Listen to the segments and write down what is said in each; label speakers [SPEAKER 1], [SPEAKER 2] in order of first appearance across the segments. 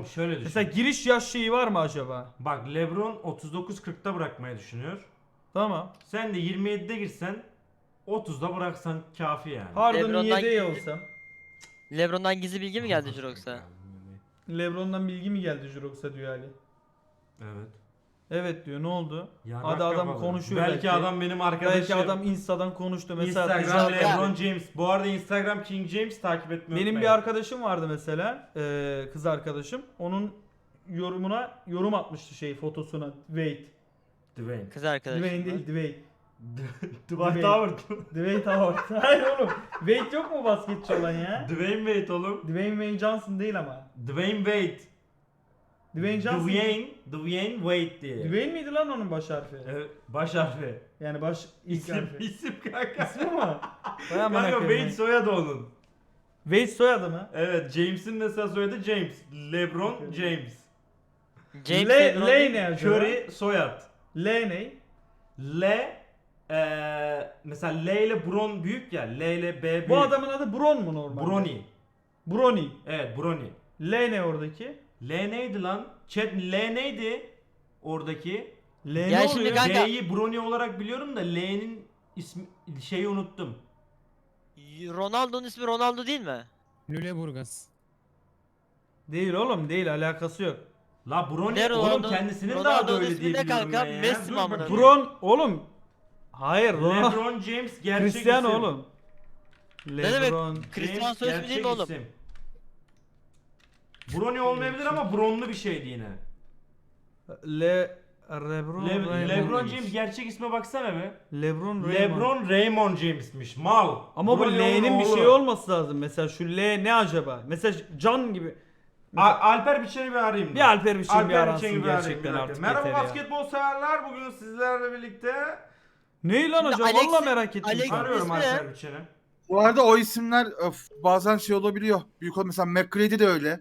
[SPEAKER 1] Oğlum şöyle düşün.
[SPEAKER 2] Mesela giriş yaş şeyi var mı acaba?
[SPEAKER 1] Bak LeBron 39-40'ta bırakmayı düşünüyor.
[SPEAKER 2] Tamam.
[SPEAKER 1] Sen de 27'de girsen 30'da bıraksan kafi yani.
[SPEAKER 2] Harden'ın
[SPEAKER 3] LeBron'dan
[SPEAKER 2] yedeği
[SPEAKER 3] gizli-
[SPEAKER 2] olsam.
[SPEAKER 3] LeBron'dan gizli bilgi mi geldi Jirox'a?
[SPEAKER 2] LeBron'dan bilgi mi geldi Jurox'a diyor Ali.
[SPEAKER 1] Evet.
[SPEAKER 2] Evet diyor, ne oldu?
[SPEAKER 1] Ya
[SPEAKER 2] Hadi
[SPEAKER 1] bak
[SPEAKER 2] adam
[SPEAKER 1] kafalı.
[SPEAKER 2] konuşuyor
[SPEAKER 1] Belki adam benim arkadaşım.
[SPEAKER 2] Belki adam Insta'dan konuştu mesela.
[SPEAKER 1] Instagram
[SPEAKER 3] Güzel.
[SPEAKER 1] LeBron James. Bu arada Instagram King James takip etmeyi
[SPEAKER 2] Benim bir
[SPEAKER 1] unutmayın.
[SPEAKER 2] arkadaşım vardı mesela, kız arkadaşım. Onun yorumuna yorum atmıştı fotosuna. Wade.
[SPEAKER 1] Dwayne.
[SPEAKER 3] Kız arkadaşım.
[SPEAKER 2] Dwayne değil, Dwayne.
[SPEAKER 1] Dwight
[SPEAKER 2] Dwayne.
[SPEAKER 1] Howard.
[SPEAKER 2] Dwayne Howard. Hayır oğlum. Wade yok mu basketçi olan ya?
[SPEAKER 1] Dwayne Wade oğlum.
[SPEAKER 2] Dwayne Johnson değil ama.
[SPEAKER 1] Dwayne Wade.
[SPEAKER 2] Dwayne Johnson.
[SPEAKER 1] Dwayne Wade diye.
[SPEAKER 2] Dwayne miydi lan onun baş harfi?
[SPEAKER 1] Evet, baş harfi.
[SPEAKER 2] Yani ilk
[SPEAKER 1] İsim,
[SPEAKER 2] harfi.
[SPEAKER 1] isim kanka.
[SPEAKER 2] İsmi mi? Vay amına
[SPEAKER 1] Kanka
[SPEAKER 2] koyayım
[SPEAKER 1] Wade soyadı onun.
[SPEAKER 2] Wade soyadı mı?
[SPEAKER 1] Evet, James'in mesela soyadı James. LeBron
[SPEAKER 2] Okay.
[SPEAKER 1] James.
[SPEAKER 3] James
[SPEAKER 2] Le,
[SPEAKER 3] LeBron
[SPEAKER 2] Le
[SPEAKER 3] değil.
[SPEAKER 2] ne acaba?
[SPEAKER 1] Curry soyad.
[SPEAKER 2] L ne?
[SPEAKER 1] Mesela L ile Bron büyük ya. L ile B büyük.
[SPEAKER 2] Bu adamın adı Bron mu normalde?
[SPEAKER 1] Brony.
[SPEAKER 2] Brony.
[SPEAKER 1] Evet, Brony.
[SPEAKER 2] L ne oradaki?
[SPEAKER 1] L neydi lan? Chat L neydi? Oradaki.
[SPEAKER 2] L
[SPEAKER 3] Ya
[SPEAKER 2] ne
[SPEAKER 3] şimdi
[SPEAKER 2] oluyor?
[SPEAKER 3] kanka-
[SPEAKER 1] L'yi Brony olarak biliyorum da L'nin ismi şeyi unuttum.
[SPEAKER 3] Ronaldo'nun ismi Ronaldo değil mi?
[SPEAKER 4] Lüleburgaz.
[SPEAKER 2] Değil oğlum, değil, alakası yok.
[SPEAKER 1] La Brony
[SPEAKER 3] Ne
[SPEAKER 1] oğlum
[SPEAKER 3] Ronaldo?
[SPEAKER 1] kendisinin daha da
[SPEAKER 3] Ronaldo'nun
[SPEAKER 1] öyle
[SPEAKER 3] ismi
[SPEAKER 1] diye
[SPEAKER 3] ne
[SPEAKER 1] biliyorum
[SPEAKER 3] kanka?
[SPEAKER 1] ben ya.
[SPEAKER 3] Messi
[SPEAKER 1] Dur
[SPEAKER 3] mi amına
[SPEAKER 1] bakayım.
[SPEAKER 2] Bron oğlum. Hayır, Ronaldo.
[SPEAKER 1] LeBron James gerçek
[SPEAKER 2] Cristiano
[SPEAKER 1] isim.
[SPEAKER 2] oğlum.
[SPEAKER 3] demek?
[SPEAKER 2] LeBron.
[SPEAKER 3] Cristiano
[SPEAKER 1] James
[SPEAKER 3] soy ismi değil mi
[SPEAKER 1] gerçek
[SPEAKER 3] oğlum?
[SPEAKER 1] isim. Brony olmayabilir ama Bronlu bir şeydi yine.
[SPEAKER 2] LeBron
[SPEAKER 1] LeBron James gerçek isme baksana be.
[SPEAKER 2] LeBron Raymond.
[SPEAKER 1] LeBron Raymond James'miş. Mal.
[SPEAKER 2] Ama bu
[SPEAKER 1] Brony'nin
[SPEAKER 2] L'nin bir
[SPEAKER 1] oğlu.
[SPEAKER 2] şey olması lazım. Mesela şu L ne acaba? Mesela Can gibi.
[SPEAKER 1] Alper Biçen'i bir arayayım.
[SPEAKER 2] Bir Alper Biçen bir
[SPEAKER 1] Alper
[SPEAKER 2] aransın
[SPEAKER 1] Biçen'i bir arayayım,
[SPEAKER 2] gerçekten
[SPEAKER 1] bir dakika.
[SPEAKER 2] artık
[SPEAKER 1] Merhaba
[SPEAKER 2] yeter ya.
[SPEAKER 1] basketbol severler. Bugün sizlerle birlikte
[SPEAKER 2] Ne lan
[SPEAKER 3] Şimdi
[SPEAKER 2] acaba?
[SPEAKER 3] Alex'in-
[SPEAKER 2] Vallahi merak ettim.
[SPEAKER 3] Alex'in-
[SPEAKER 2] şu an.
[SPEAKER 1] arıyorum
[SPEAKER 3] ismi ne?
[SPEAKER 1] Alper Biçen'i.
[SPEAKER 5] Bu arada o isimler bazen şey olabiliyor. Büyük ol mesela McGrady de öyle.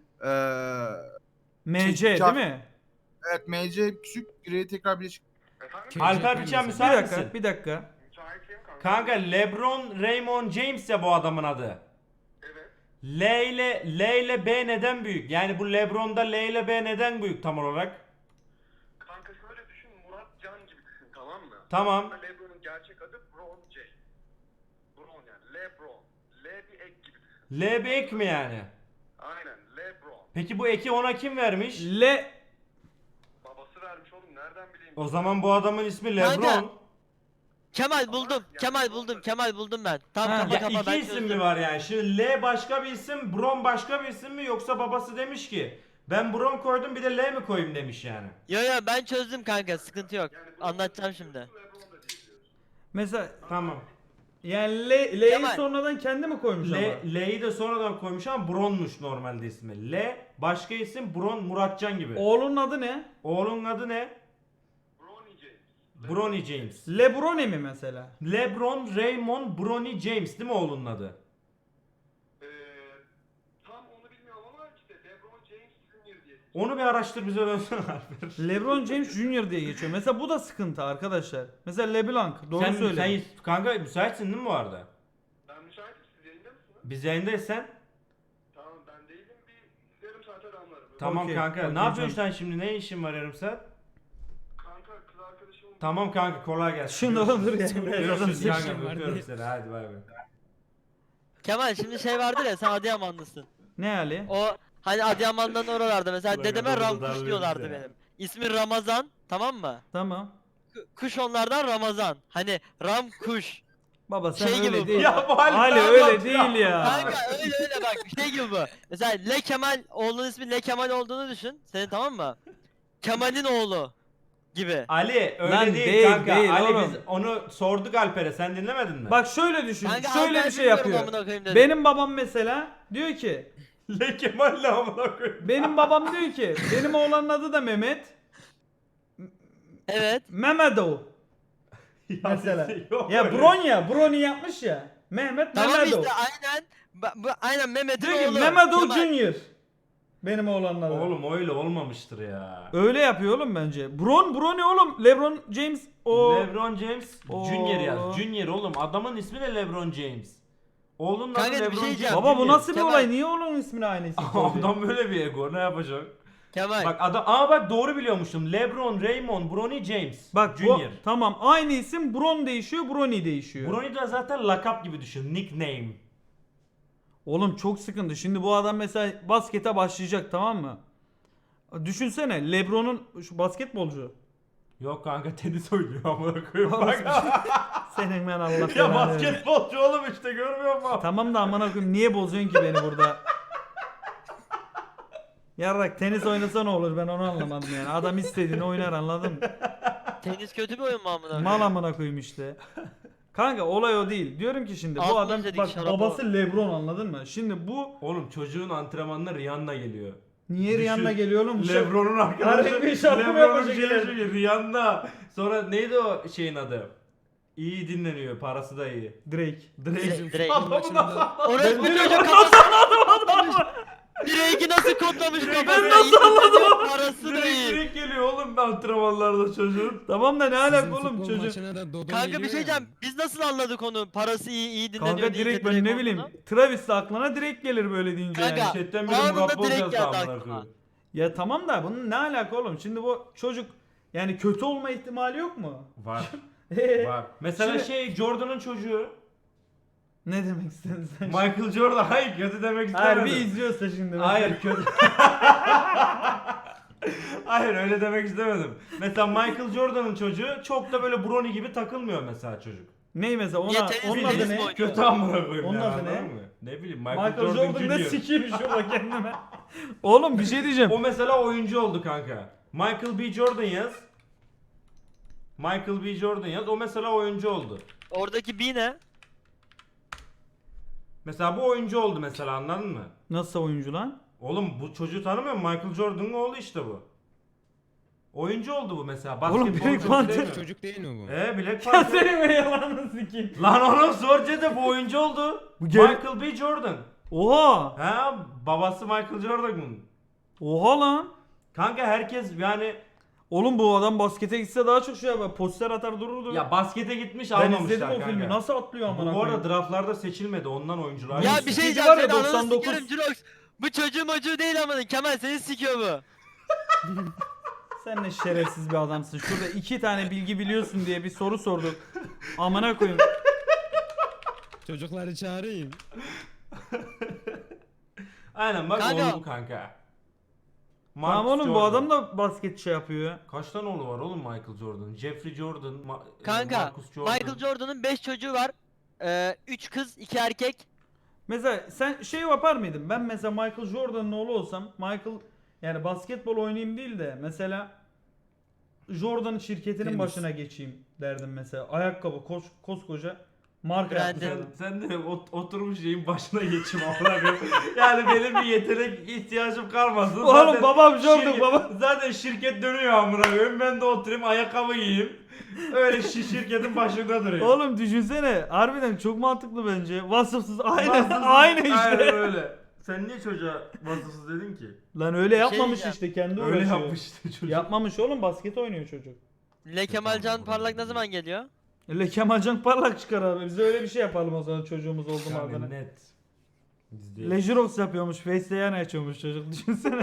[SPEAKER 2] MC değil mi?
[SPEAKER 5] Evet MC küçük, Grady tekrar birleşik.
[SPEAKER 1] Alper Biçen
[SPEAKER 2] Bir
[SPEAKER 1] müsait
[SPEAKER 2] dakika,
[SPEAKER 1] misin?
[SPEAKER 2] bir dakika.
[SPEAKER 1] Kanka LeBron Raymond James ya bu adamın adı. Evet. L ile B neden büyük? Yani bu LeBron'da L ile B neden büyük tam olarak?
[SPEAKER 6] Kanka şöyle düşün, Murat Can gibi düşün, tamam mı?
[SPEAKER 1] Tamam.
[SPEAKER 6] LeBron'un gerçek adı Bron J. Bron yani LeBron. L bir ek gibi düşün.
[SPEAKER 1] L bir ek mi yani?
[SPEAKER 6] Aynen LeBron.
[SPEAKER 1] Peki bu eki ona kim vermiş?
[SPEAKER 6] Babası vermiş oğlum, nereden bileyim?
[SPEAKER 1] O zaman bu adamın ismi
[SPEAKER 3] Kanka.
[SPEAKER 1] LeBron.
[SPEAKER 3] Kemal buldum. Kemal buldum ben. Tamam
[SPEAKER 2] Ha.
[SPEAKER 3] kapa
[SPEAKER 1] Ya
[SPEAKER 3] kapa
[SPEAKER 1] iki
[SPEAKER 3] ben
[SPEAKER 1] isim
[SPEAKER 3] çözdüm.
[SPEAKER 1] mi var yani? Şimdi L başka bir isim, Bron başka bir isim mi yoksa babası demiş ki ben Bron koydum bir de L mi koyayım demiş yani.
[SPEAKER 3] Yo ben çözdüm kanka sıkıntı yok. Anlatacağım şimdi.
[SPEAKER 6] LeBron da diyebiliyoruz.
[SPEAKER 2] Mesela
[SPEAKER 1] Tamam.
[SPEAKER 2] yani L'yi
[SPEAKER 3] Kemal.
[SPEAKER 2] sonradan kendi mi koymuş ama?
[SPEAKER 1] L'yi de sonradan koymuş ama Bron'muş normalde ismi. L başka isim Bron Muratcan gibi.
[SPEAKER 2] Oğlunun adı ne?
[SPEAKER 1] Oğlunun adı ne?
[SPEAKER 6] Bronny James.
[SPEAKER 1] Bronny James.
[SPEAKER 2] LeBron mi mesela?
[SPEAKER 1] LeBron Raymond Bronny James değil mi oğlunun adı?
[SPEAKER 6] Tam onu bilmiyorum ama işte LeBron James Jr. diye.
[SPEAKER 1] Onu bir araştır bize dönsene Alper.
[SPEAKER 2] LeBron James Jr. diye geçiyor. Mesela bu da sıkıntı arkadaşlar. Mesela LeBlanc. Doğru söyle.
[SPEAKER 1] Sen kanka müsaitsin değil mi bu arada?
[SPEAKER 6] Ben müsaitim, siz yayında mısınız?
[SPEAKER 1] Biz yayındayız sen.
[SPEAKER 6] Tamam, ben değilim, bir yarım saate damlarım.
[SPEAKER 1] Tamam
[SPEAKER 2] Okey,
[SPEAKER 1] kanka.
[SPEAKER 2] okey
[SPEAKER 1] Ne yapıyorsun
[SPEAKER 2] canım.
[SPEAKER 1] sen şimdi? Ne işin var yarım saat?
[SPEAKER 6] Kanka kız arkadaşımın...
[SPEAKER 1] Tamam kanka kolay gelsin.
[SPEAKER 2] Şunu olur ya.
[SPEAKER 1] Görüşürüz
[SPEAKER 4] Biraz
[SPEAKER 1] kanka.
[SPEAKER 4] adam
[SPEAKER 1] Öpüyorum
[SPEAKER 4] var
[SPEAKER 1] seni. Hadi bay bay.
[SPEAKER 3] Kemal şimdi şey vardır ya sen Adıyamanlısın.
[SPEAKER 2] Ne Ali?
[SPEAKER 3] O hani Adıyaman'dan oralarda mesela
[SPEAKER 1] Ulan
[SPEAKER 3] dedeme
[SPEAKER 1] adamı da
[SPEAKER 3] Ramkuş
[SPEAKER 1] darlıyoruz
[SPEAKER 3] diyorlardı
[SPEAKER 1] ya.
[SPEAKER 3] benim. İsmi Ramazan tamam mı?
[SPEAKER 2] Tamam.
[SPEAKER 3] Kuş onlardan Ramazan. Hani Ramkuş.
[SPEAKER 2] Baba sen
[SPEAKER 3] Şey
[SPEAKER 2] öyle
[SPEAKER 3] gibi bu.
[SPEAKER 2] değil.
[SPEAKER 1] Ya bu Ali
[SPEAKER 2] Ali
[SPEAKER 1] ne
[SPEAKER 2] öyle
[SPEAKER 1] anlatıyor?
[SPEAKER 2] değil ya.
[SPEAKER 3] Kanka öyle bak şey gibi bu. Mesela Le Kemal oğlunun ismi Le Kemal olduğunu düşün. Senin tamam mı? Kemal'in oğlu gibi.
[SPEAKER 1] Ali öyle
[SPEAKER 2] Lan
[SPEAKER 1] değil,
[SPEAKER 2] değil,
[SPEAKER 1] kanka.
[SPEAKER 2] değil
[SPEAKER 1] Ali
[SPEAKER 2] oğlum.
[SPEAKER 1] biz onu sorduk Alper'e. Sen dinlemedin mi?
[SPEAKER 2] Bak şöyle düşün.
[SPEAKER 3] Kanka
[SPEAKER 2] şöyle
[SPEAKER 3] Alper
[SPEAKER 2] bir şey
[SPEAKER 3] bilmiyorum
[SPEAKER 2] yapıyor.
[SPEAKER 3] amına koyayım dedim.
[SPEAKER 2] Benim babam mesela diyor ki
[SPEAKER 1] Le Kemal'le amına koyayım.
[SPEAKER 2] benim babam diyor ki benim oğlanın adı da Mehmet.
[SPEAKER 3] Evet.
[SPEAKER 2] Mehmetov
[SPEAKER 1] Ya
[SPEAKER 2] mesela.
[SPEAKER 1] yok
[SPEAKER 2] Ya
[SPEAKER 1] öyle.
[SPEAKER 2] Brony yapmış ya. Mehmet
[SPEAKER 3] Tamam
[SPEAKER 2] Mehmetov.
[SPEAKER 3] işte aynen. Aynen Mehmet'in
[SPEAKER 2] Diyor ki
[SPEAKER 3] oğlu.
[SPEAKER 2] Mehmetov
[SPEAKER 3] Kemal.
[SPEAKER 2] Junior. Benim oğlanın adı.
[SPEAKER 1] Oğlum öyle olmamıştır ya.
[SPEAKER 2] Öyle yapıyor oğlum bence. Brony oğlum. LeBron James o.
[SPEAKER 1] LeBron James
[SPEAKER 2] Oo.
[SPEAKER 1] Junior yaz. Junior oğlum. Adamın ismi de LeBron James. Oğlunun adı
[SPEAKER 3] Kanka bir
[SPEAKER 1] LeBron
[SPEAKER 3] şey
[SPEAKER 1] James.
[SPEAKER 3] diyeceğim.
[SPEAKER 2] Baba bu
[SPEAKER 1] Junior.
[SPEAKER 2] nasıl bir
[SPEAKER 3] Kemal.
[SPEAKER 2] olay? Niye onun ismini aynı isim koydu?
[SPEAKER 1] Adam böyle bir ego. Ne yapacak?
[SPEAKER 3] Kemal.
[SPEAKER 1] Bak bak doğru biliyormuşum. LeBron, Raymond, Bronny James.
[SPEAKER 2] Bak bu
[SPEAKER 1] Junior.
[SPEAKER 2] tamam aynı isim Bron değişiyor, Bronny değişiyor.
[SPEAKER 1] Bronny de zaten lakap gibi düşün. Nickname.
[SPEAKER 2] Oğlum çok sıkıntı. Şimdi bu adam mesela baskete başlayacak, tamam mı? Düşünsene LeBron'un şu basketbolcu.
[SPEAKER 1] Yok kanka tenis oynuyor amına koyayım. Bak.
[SPEAKER 2] Senin ben Allah
[SPEAKER 1] Ya
[SPEAKER 2] belanı versin.
[SPEAKER 1] basketbolcu oğlum işte görmüyor musun?
[SPEAKER 2] Tamam da amına koyayım niye bozuyorsun ki beni burada? Yarrak tenis oynasa ne olur, ben onu anlamadım yani. Adam istediğini oynar, anladın mı?
[SPEAKER 3] Tenis kötü bir oyun mu amına?
[SPEAKER 2] Mal amına koyayım işte. Kanka olay o değil. Diyorum ki şimdi bu
[SPEAKER 3] Altın
[SPEAKER 2] adam
[SPEAKER 3] izledik,
[SPEAKER 2] bak
[SPEAKER 3] şarap
[SPEAKER 2] babası LeBron, anladın mı? Şimdi bu
[SPEAKER 1] Oğlum çocuğun antrenmanına Rihanna geliyor.
[SPEAKER 2] niye Rihanna geliyor oğlum?
[SPEAKER 1] LeBron'un
[SPEAKER 2] Harbi
[SPEAKER 1] arkadaşı.
[SPEAKER 2] bir şarkı mı
[SPEAKER 1] LeBron'un
[SPEAKER 2] yapacak
[SPEAKER 1] şeyi
[SPEAKER 2] yani?
[SPEAKER 1] çünkü Rihanna. Sonra neydi o şeyin adı? İyi dinleniyor, parası da iyi.
[SPEAKER 2] Drake.
[SPEAKER 3] Drake.
[SPEAKER 1] Adamı nasıl
[SPEAKER 3] Orası bu
[SPEAKER 2] Ben
[SPEAKER 3] çocuk
[SPEAKER 2] nasıl
[SPEAKER 3] kafasını Drake'i nasıl kodlamış kafasına?
[SPEAKER 2] nasıl anladım?
[SPEAKER 3] Parası da iyi.
[SPEAKER 1] Direkt geliyor oğlum antrenmanlarda çocuğun.
[SPEAKER 2] Tamam da ne alaka oğlum çocuk?
[SPEAKER 3] Kanka bir şey diyeceğim. Biz nasıl anladık onu? Parası iyi dinleniyor
[SPEAKER 2] Kanka
[SPEAKER 3] deyince
[SPEAKER 2] direkt ben ne bileyim.
[SPEAKER 3] olduğunu?
[SPEAKER 2] Travis'le aklına direkt gelir böyle deyince
[SPEAKER 3] Kanka,
[SPEAKER 2] yani.
[SPEAKER 1] Chatten biri
[SPEAKER 3] anında
[SPEAKER 1] Murat Boz
[SPEAKER 3] direkt
[SPEAKER 1] yazdı
[SPEAKER 3] geldi
[SPEAKER 1] amına
[SPEAKER 3] aklıma.
[SPEAKER 1] koyayım.
[SPEAKER 2] Ya tamam da bunun ne alaka oğlum? Şimdi bu çocuk yani kötü olma ihtimali yok mu?
[SPEAKER 1] Var.
[SPEAKER 2] Ee,
[SPEAKER 1] Var. Mesela
[SPEAKER 2] Şimdi-
[SPEAKER 1] Jordan'ın çocuğu.
[SPEAKER 2] Ne demek istedin sen?
[SPEAKER 1] Michael Jordan. Hayır kötü demek
[SPEAKER 2] Hayır
[SPEAKER 1] istemedim.
[SPEAKER 2] bir izliyorsa şimdi. mesela.
[SPEAKER 1] Hayır kötü. Hayır öyle demek istemedim. Mesela Michael Jordan'ın çocuğu çok da böyle Bronny gibi takılmıyor mesela çocuk.
[SPEAKER 2] Ney mesela
[SPEAKER 3] Niye
[SPEAKER 2] ona,
[SPEAKER 3] tenis-
[SPEAKER 2] onun
[SPEAKER 3] tenis
[SPEAKER 2] adı
[SPEAKER 3] mi
[SPEAKER 2] ne?
[SPEAKER 3] oynuyor?
[SPEAKER 1] Kötü amına koyayım.
[SPEAKER 2] Onun
[SPEAKER 1] yani,
[SPEAKER 2] adı ne?
[SPEAKER 1] anladın mı? Ne bileyim
[SPEAKER 2] Michael Jordan ne sikeyim şurada kendime. Oğlum bir şey diyeceğim.
[SPEAKER 1] O mesela oyuncu oldu kanka. Michael B. Jordan yaz. Michael B. Jordan yaz. O mesela oyuncu oldu.
[SPEAKER 3] Oradaki B ne?
[SPEAKER 1] Mesela bu oyuncu oldu mesela anladın mı?
[SPEAKER 2] Nasıl oyuncu lan?
[SPEAKER 1] Oğlum bu çocuğu tanımıyor musun? Michael Jordan'ın oğlu işte bu. Oyuncu oldu bu mesela.
[SPEAKER 2] Oğlum,
[SPEAKER 1] Basketbolcu
[SPEAKER 2] Black
[SPEAKER 1] değil
[SPEAKER 2] Panther
[SPEAKER 1] mi?
[SPEAKER 4] Çocuk değil mi bu?
[SPEAKER 1] Black
[SPEAKER 2] Ya
[SPEAKER 1] Panther.
[SPEAKER 2] senin be yalanını sikeyim.
[SPEAKER 1] Lan oğlum Sorce de bu oyuncu oldu.
[SPEAKER 2] Bu gel-
[SPEAKER 1] Michael B. Jordan.
[SPEAKER 2] Oha.
[SPEAKER 1] Ha babası Michael Jordan'ın.
[SPEAKER 2] Oha lan.
[SPEAKER 1] Kanka herkes yani
[SPEAKER 2] Oğlum bu adam baskete gitse daha çok şey yapar. Poster atar dururdu.
[SPEAKER 1] ya baskete gitmiş
[SPEAKER 2] ben
[SPEAKER 1] almamışlar
[SPEAKER 2] izledim o
[SPEAKER 1] kanka.
[SPEAKER 2] filmi. Nasıl atlıyor amına
[SPEAKER 1] Bu arada
[SPEAKER 2] koyayım?
[SPEAKER 1] draftlarda seçilmedi ondan oyuncular.
[SPEAKER 3] Ya
[SPEAKER 2] Aynısı.
[SPEAKER 3] bir şey
[SPEAKER 2] Sizi
[SPEAKER 3] diyeceğim.
[SPEAKER 2] var ya,
[SPEAKER 3] Senin ananı
[SPEAKER 2] 99
[SPEAKER 3] sikerim Jirox. Bu çocuğu mocuğu değil amına. Kemal seni sikiyor bu.
[SPEAKER 2] Sen ne şerefsiz bir adamsın. Şurada 2 tane bilgi biliyorsun diye bir soru sorduk. Amına koyayım.
[SPEAKER 4] Çocukları çağırayım.
[SPEAKER 1] Aynen bak
[SPEAKER 3] Kanka.
[SPEAKER 1] oğlu bu kanka.
[SPEAKER 2] Tamam
[SPEAKER 1] Marcus
[SPEAKER 2] oğlum bu
[SPEAKER 1] Jordan.
[SPEAKER 2] adam da basket şey yapıyor.
[SPEAKER 1] Kaç tane oğlu var oğlum Michael Jordan? Jeffrey Jordan,
[SPEAKER 3] Kanka
[SPEAKER 1] Marcus Jordan.
[SPEAKER 3] Michael Jordan'ın 5 çocuğu var. 3 kız 2 erkek.
[SPEAKER 2] Mesela sen şey yapar mıydın? Ben mesela Michael Jordan'ın oğlu olsam Michael yani basketbol oynayayım değil de mesela Jordan şirketinin
[SPEAKER 4] Tenis.
[SPEAKER 2] başına geçeyim derdim mesela. Ayakkabı koskoca marka
[SPEAKER 3] Branded.
[SPEAKER 2] yapmış adam.
[SPEAKER 1] Sen de oturmuş şeyin başına geçim amına koyayım. Yani benim bir yetenek ihtiyacım kalmasın.
[SPEAKER 2] Oğlum babam Jordan,
[SPEAKER 1] şirket-
[SPEAKER 2] baba.
[SPEAKER 1] Zaten şirket dönüyor amına koyayım. Ben de oturayım ayakkabı giyeyim. Öyle şirketin başında durayım.
[SPEAKER 2] Oğlum düşünsene harbiden çok mantıklı bence. Vasıfsız aynı
[SPEAKER 1] Vasıfsız-
[SPEAKER 2] aynı işte.
[SPEAKER 1] Aynen öyle. Sen niye çocuğa vasıfsız dedin ki?
[SPEAKER 2] Lan öyle yapmamış
[SPEAKER 3] diyeceğim.
[SPEAKER 2] işte kendi
[SPEAKER 1] Öyle
[SPEAKER 2] uğraşıyor.
[SPEAKER 1] yapmış işte çocuk.
[SPEAKER 2] Yapmamış oğlum, basket oynuyor çocuk.
[SPEAKER 3] Le Kemalcan Parlak ne zaman geliyor?
[SPEAKER 2] Le Kemalcan parlak çıkar abi. Biz de öyle bir şey yapalım o zaman çocuğumuz oldu mu
[SPEAKER 1] Yani
[SPEAKER 2] adına.
[SPEAKER 1] net. Bizde.
[SPEAKER 2] Lejirox yapıyormuş. Face'te yan açıyormuş çocuk. Düşünsene.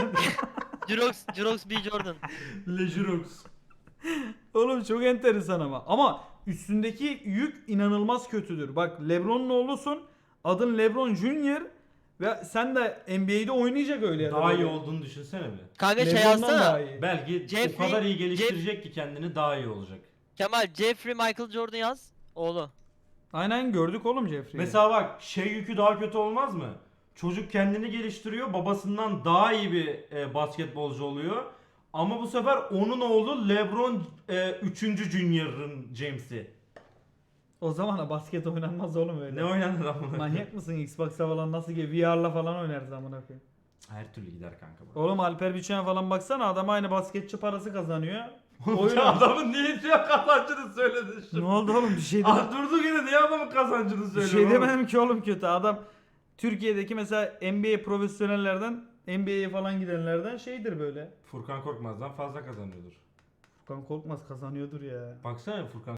[SPEAKER 3] Jirox B Jordan.
[SPEAKER 1] Lejurox.
[SPEAKER 2] Oğlum çok enteresan ama. Ama üstündeki yük inanılmaz kötüdür. Bak LeBron'un oğlusun. Adın LeBron Junior. Ve sen de NBA'de oynayacak öyle ya da
[SPEAKER 1] Daha iyi
[SPEAKER 2] böyle.
[SPEAKER 1] olduğunu düşünsene mi?
[SPEAKER 3] Kanka şey
[SPEAKER 2] LeBron'dan daha
[SPEAKER 3] yazsana.
[SPEAKER 2] iyi.
[SPEAKER 1] Belki o
[SPEAKER 3] Jeffrey-
[SPEAKER 1] kadar iyi geliştirecek ki kendini daha iyi olacak.
[SPEAKER 3] Kemal Jeffrey Michael Jordan yaz. Oğlu.
[SPEAKER 2] Aynen gördük oğlum Jeffrey'i.
[SPEAKER 1] Mesela bak şey yükü daha kötü olmaz mı? Çocuk kendini geliştiriyor, babasından daha iyi bir basketbolcu oluyor. Ama bu sefer onun oğlu LeBron 3. Junior'ın James'i.
[SPEAKER 2] O zaman da basket oynanmaz oğlum öyle.
[SPEAKER 1] Ne oynanır ama?
[SPEAKER 2] Manyak mısın? Xbox'a falan nasıl ki VR'la falan oynarız amına koyayım.
[SPEAKER 1] Her türlü gider kanka bu.
[SPEAKER 2] Oğlum Alper Biçen falan baksana adam aynı basketçi parası kazanıyor.
[SPEAKER 1] Oyun
[SPEAKER 2] Oyun
[SPEAKER 1] adamın niye diyor kazancını söyledin
[SPEAKER 2] Ne
[SPEAKER 1] şimdi?
[SPEAKER 2] oldu oğlum bir şey demedim.
[SPEAKER 1] Ah durduk yine niye adamın kazancını
[SPEAKER 2] Bir
[SPEAKER 1] söylüyor?
[SPEAKER 2] şey demedim ki oğlum kötü. Adam Türkiye'deki mesela NBA profesyonellerden NBA'ye falan gidenlerden şeydir böyle.
[SPEAKER 1] Furkan Korkmaz'dan fazla kazanıyordur.
[SPEAKER 2] Furkan Korkmaz kazanıyordur ya.
[SPEAKER 1] Baksana Furkan